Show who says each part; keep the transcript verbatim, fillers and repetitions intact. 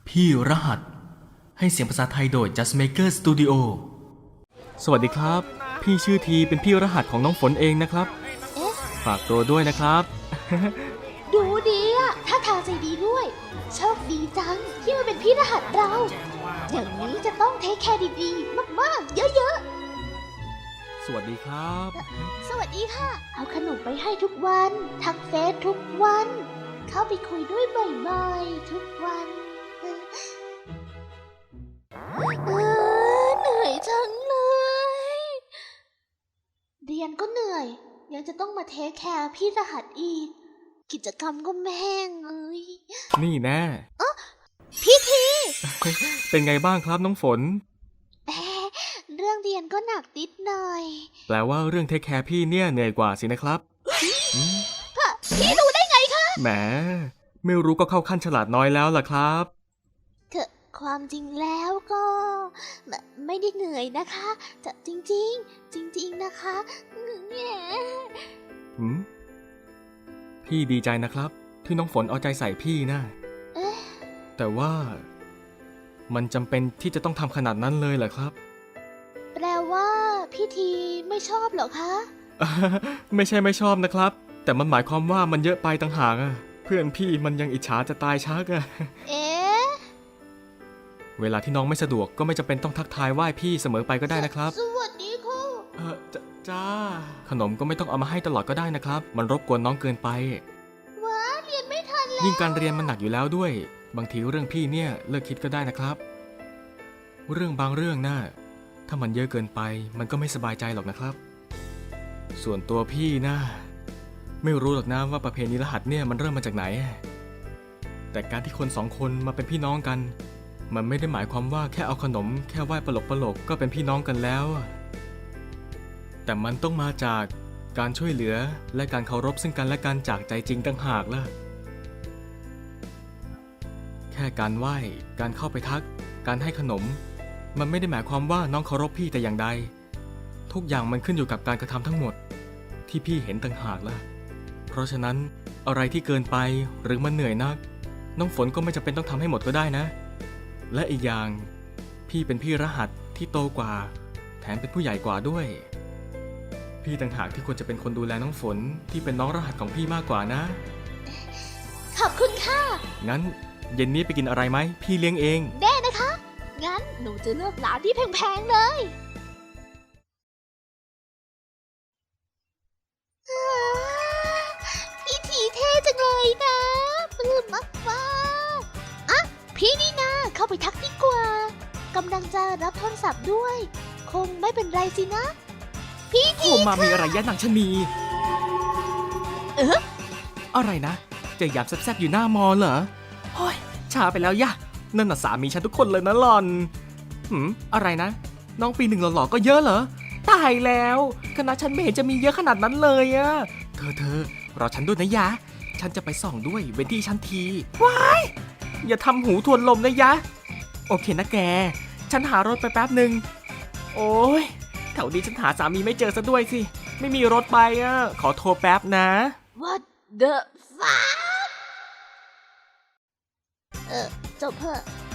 Speaker 1: พี่รหัสให้เสียงภาษาไทยโดย Just Maker Studio สวัสดีครับพี่ชื่อทีเป็นพี่รหัสของน้องฝนเองนะครับ
Speaker 2: เอ๊ะ
Speaker 1: ฝากตัวด้วยนะครับ
Speaker 2: ดูดีอะถ้าทางใจดีด้วยโชคดีจังที่มาเป็นพี่รหัสเรา อย่างนี้จะต้องเทคแคร์ดีๆ มากๆ เยอะ
Speaker 1: สวัสดีครับ
Speaker 2: ๆ สวัสดีค่ะ เอาขนมไปให้ทุกวัน ทักเฟซทุกวัน เข้าไปคุยด้วยบ่อยๆ ทุกวันเออเหนื่อยจังเลย เรียนก็เหนื่อย ยังจะต้องมาเทคแคร์พี่รหัสอีก กิจกรรมก็แม่งเอ้ย
Speaker 1: นี่แน่
Speaker 2: พี่ที
Speaker 1: เป็นไงบ้างครับน้องฝน
Speaker 2: เอ๊ะเรื่องเรียนก็หนักนิดหน่อย
Speaker 1: แปลว่าเรื่องเทคแคร์พี่เนี่ยเหนื่อยกว่าสินะครับอืม
Speaker 2: พี่รู้ได้ไงคะ
Speaker 1: แหมไม่รู้ก็เข้าขั้นฉลาดน้อยแล้วล่ะครับ
Speaker 2: เถอะความจริงแล้วก็ไม่ไม่ได้เหนื่อยนะคะแต่จริงๆ จริง ๆนะคะแหม
Speaker 1: หืมพี่ดีใจนะครับที่น้องฝนเอาใจใส่พี่นะ
Speaker 2: เอ๊ะ
Speaker 1: แต่ว่ามันจำเป็นที่จะต้องทำขนาดนั้นเลยเหรอครับ
Speaker 2: แปลว่าพี่ทีไม่ชอบเหรอคะ
Speaker 1: ไม่ใช่ไม่ชอบนะครับ แต่มันหมายความว่ามันเยอะไปต่างหากอะเพื่อนพี่มันยังอิจฉาจะตายชักอะ
Speaker 2: เอ๊ะ
Speaker 1: เวลาที่น้องไม่สะดวกก็ไม่จำเป็นต้องทักทายไหว้พี่เสมอไปก็ได้นะครับ
Speaker 2: สวัสดีค่ะ
Speaker 1: เออจจ้าขนมก็ไม่ต้องเอามาให้ตลอดก็ได้นะครับ มันรบกวนน้องเกินไป
Speaker 2: ว้าเรียนไม่ทันแล้ว
Speaker 1: ยิ่งการเรียนมันหนักอยู่แล้วด้วย บางทีเรื่องพี่เนี่ยเลิกคิดก็ได้นะครับ เรื่องบางเรื่องน่ะถ้ามันเยอะเกินไปมันก็ไม่สบายใจหรอกนะครับ ส่วนตัวพี่นะไม่รู้หรอกนะว่าประเพณีรหัสเนี่ยมันเริ่มมาจากไหน แต่การที่คนสองคนมาเป็นพี่น้องกัน มันไม่ได้หมายความว่าแค่เอาขนมแค่ไหว้ปลกปลกก็เป็นพี่น้องกันแล้ว แต่มันต้องมาจากการช่วยเหลือและการเคารพซึ่งกันและกันจากใจจริงต่างหากล่ะ แค่การไหว้ การเข้าไปทัก การให้ขนม มันไม่ได้หมายความว่าน้องเคารพพี่แต่อย่างใด ทุกอย่างมันขึ้นอยู่กับการกระทำทั้งหมด ที่พี่เห็นต่างหากล่ะ เพราะฉะนั้นอะไรที่เกินไปหรือมันเหนื่อยนัก น้องฝนก็ไม่จำเป็นต้องทำให้หมดก็ได้นะ และอีกอย่างพี่เป็นพี่รหัสที่โตกว่า แถมเป็นผู้ใหญ่กว่าด้วย พี่ต่างหากที่ควรจะเป็นคนดูแลน้องฝนที่เป็นน้องรหัสของพี่มากกว่านะ
Speaker 2: ขอบคุณค่ะ
Speaker 1: งั้นเย็นนี้ไปกินอะไรไหมพี่เลี้ยงเอง
Speaker 2: แน่นะคะ งั้นหนูจะเลือกร้านที่แพงๆเลยอ้าพี่ทีเท่จังเลยนะปลื้มมากๆอ่ะพี่นี่นาเข้าไปทักดีกว่ากำลังจะรับโทรศัพท์ด้วย คงไม่เป็นไรสินะ พี่
Speaker 1: โท
Speaker 2: ที
Speaker 1: รมามีอะไรยะนางชะนี
Speaker 2: เอ๊ะ
Speaker 1: อะไรนะเจอยามแซ่บๆอยู่หน้ามอเหรอโอ้ยช้าไปแล้วยะนั่นน่ะสามีฉันทุกคนเลยนะหล่อนหืมอะไรนะ น้องปีหนึ่งหล่อๆก็เยอะเหรอตายแล้วคณะฉันไม่เห็นจะมีเยอะขนาดนั้นเลยอะเธอเธอรอฉันด้วยนะยะฉันจะไปส่องด้วยเว้นที่ฉันทีว้ายอย่าทำหูทวนลมนะยะโอเคนะแกฉันหารถไปแป๊บหนึ่งโอ้ยแถวนี้ฉันหาสามีไม่เจอซะด้วยสิไม่มีรถไปอะขอโทรแป๊บนะ
Speaker 2: What the fuck เออจบเถอะ